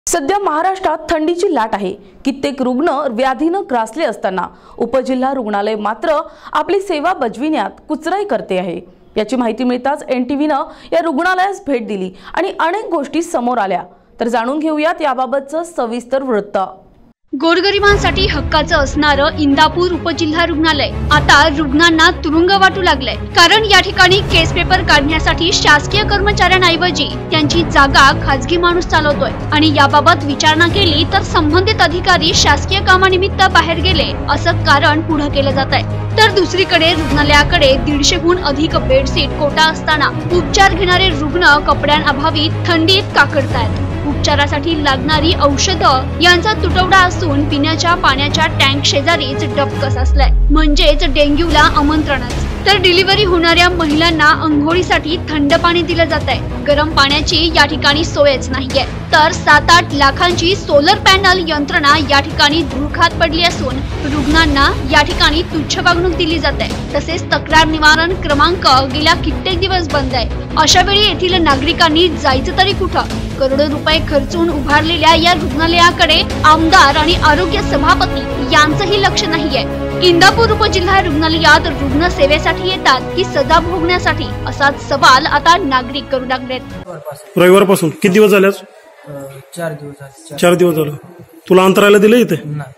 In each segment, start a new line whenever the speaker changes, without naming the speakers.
सध्या महाराष्ट्रात थंडीची लाट आहे। कित्येक रुग्ण व्याधीने ग्रासले असताना उपजिल्हा रुग्णालय मात्र आपली सेवा बजविण्यात कुचराई करते आहे। याची माहिती मिळताच NTVने या रुग्णालयास भेट दिली आणि अनेक गोष्टी समोर आल्या। तर जाणून घेऊयात याबाबतचं सविस्तर वृत्त।
गोरगरिबांसाठी हक्काचं असणारं इंदापूर उपजिल्हा रुग्णालय आता रुग्णांना तुरुंग वाटू लागलंय। कारण या ठिकाणी केस पेपर काढण्यासाठी शासकीय कर्मचाऱ्यांऐवजी त्यांची जागा खासगी माणूस चालवतोय आणि याबाबत विचारणा केली तर संबंधित अधिकारी शासकीय कामानिमित्त बाहेर गेले असं कारण पुढे केलं जात आहे। तर दुसरीकडे रुग्णालयाकडे 150हून अधिक बेडशीट कोटा असताना उपचार घेणारे रुग्ण कपड्यांअभावी थंडीत काकडतायत। उपचारासाठी लागणारी औषधं यांचा तुटवडा असून पिण्याच्या पाण्याच्या टँक शेजारीच डबकस असलाय, म्हणजेच डेंग्यूला आमंत्रणच। तर डिलिव्हरी होणाऱ्या महिलांना अंघोळीसाठी थंड पाणी दिलं जात आहे। गरम पाण्याची या ठिकाणी सोयच नाहीये। तर 7-8 लाखांची सोलर पॅनल यंत्रणा या ठिकाणी धुळखात पडली असून रुग्णांना या ठिकाणी तुच्छ वागणूक दिली जाते। तसेच तक्रार निवारण क्रमांक गेल्या कित्येक दिवस बंद आहे। अशा वेळी येथील नागरिकांनी जायचं तरी कुठं? करोडो रुपये खर्चून उभारलेल्या या रुग्णालयाकडे आमदार आणि आरोग्य सभापती यांचंही लक्ष नाहीये। इंदापूर उपजिल्हा रुग्णालयात रुग्ण सेवेसाठी येतात की सजा भोगण्यासाठी असाच सवाल आता नागरिक करू लागलेत।
रविवारपासून किती दिवस झाले?
4 दिवस झाले।
4 दिवस झाले। तुला अंतरायला दिलं इथे?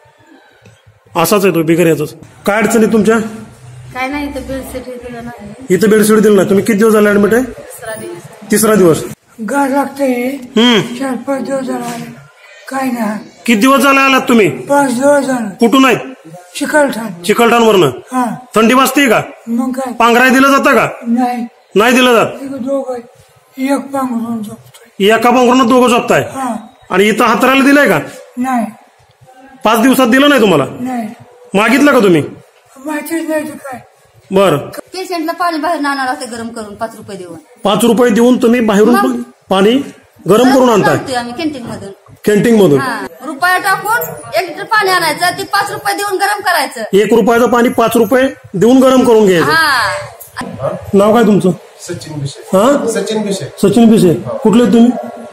असाच आहे तो बिगर याचाच। काय अडचणी तुमच्या?
काय नाही, इथे बेडशीट दिलं नाही।
इथे बेडशीट दिलं नाही। तुम्ही किती दिवस झाले ऍडमिट आहे? तिसरा दिवस।
गार लागते 4-5 दिवस झाले। काय नाही।
किती दिवस झाले आलात तुम्ही?
5 दिवस झाले।
कुठून आहेत? चिकलठाण वरनं। थंडी वाजते का?
मग काय
पांघराय दिलं जातं का? नाही दिलं जात।
एक पांघरून झोपतोय।
एका पांघरून दोघं झोपताय आणि इथं हातरायला दिलंय का?
नाही।
5 दिवसात दिलं नाही तुम्हाला?
नाही।
मागितलं का तुम्ही?
माहितीच नाही काय।
बर,
पेशंटला पाणी बाहेर आणावं लागतं गरम करून 5 रुपये देऊन।
5 रुपये देऊन तुम्ही बाहेरून पाणी गरम करून आणताय?
आम्ही कॅन्टीन मधून।
कॅन्टीन मधून
रुपया टाकून 1 लिटर पाणी आणायचं, ते 5 रुपये देऊन गरम करायचं।
1 रुपयाचं पाणी 5 रुपये देऊन गरम करून घ्यायचं। नाव काय तुमचं?
सचिन बिशे।
सचिन बिशे। कुठले तुम्ही?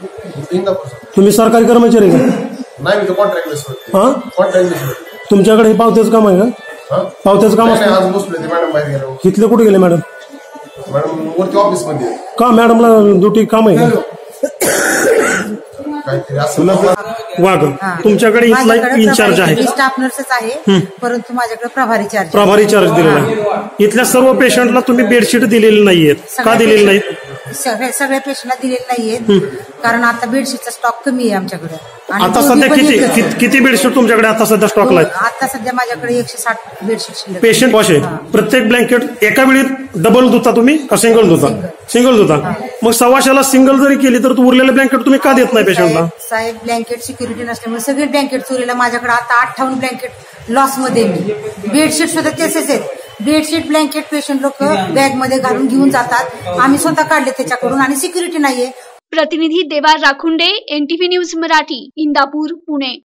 तुम्ही सरकारी कर्मचारी का?
नाही, मी कॉन्ट्रॅक्ट बेसवर।
तुमच्याकडे हे पावत्याचं काम आहे का? पावत्याचं काम असतं?
आज बसलो, मॅडम बाहेर गेलो।
इथले कुठे गेले मॅडम?
मॅडम वरती ऑफिस मध्ये।
का मॅडमला ड्युटी काम आहे का? वाघ, तुमच्याकडे इथला इन्चार्ज आहे?
स्टाफ नर्सच आहे, परंतु माझ्याकडे प्रभारी चार्ज
दिलेला आहे। इथल्या सर्व पेशंटला तुम्ही बेडशीट दिलेली नाहीयेत का? दिलेली नाहीत?
सगळ्या पेशंटला दिलेले नाहीयेत, कारण आता बेडशीटचा स्टॉक कमी आहे आमच्याकडे।
आता सध्या किती बेडशीट तुमच्याकडे आता सध्या स्टॉकला आहेत?
आता सध्या माझ्याकडे 160 बेडशीट
पेशंट वॉश आहे। प्रत्येक ब्लँकेट एका वेळी डबल धुता तुम्ही का सिंगल धुता? सिंगल धुता। मग 125ला सिंगल जरी केली तर उरलेले ब्लँकेट तुम्ही का देत नाही पेशंटला?
साहेब, ब्लँकेट सिक्युरिटी नसल्यामुळे सगळे ब्लँकेट चोरीला। माझ्याकडे आता 58 ब्लँकेट लॉस मध्ये। बेडशीट सुद्धा तेच आहेत। बेडशीट ब्लँकेट पेशंट लोक बॅग मध्ये घालून घेऊन जातात, आम्ही स्वतः काढले त्याच्याकडून आणि सिक्युरिटी नाहीये।
प्रतिनिधी देवा राखुंडे, NTV न्यूज मराठी, इंदापूर, पुणे।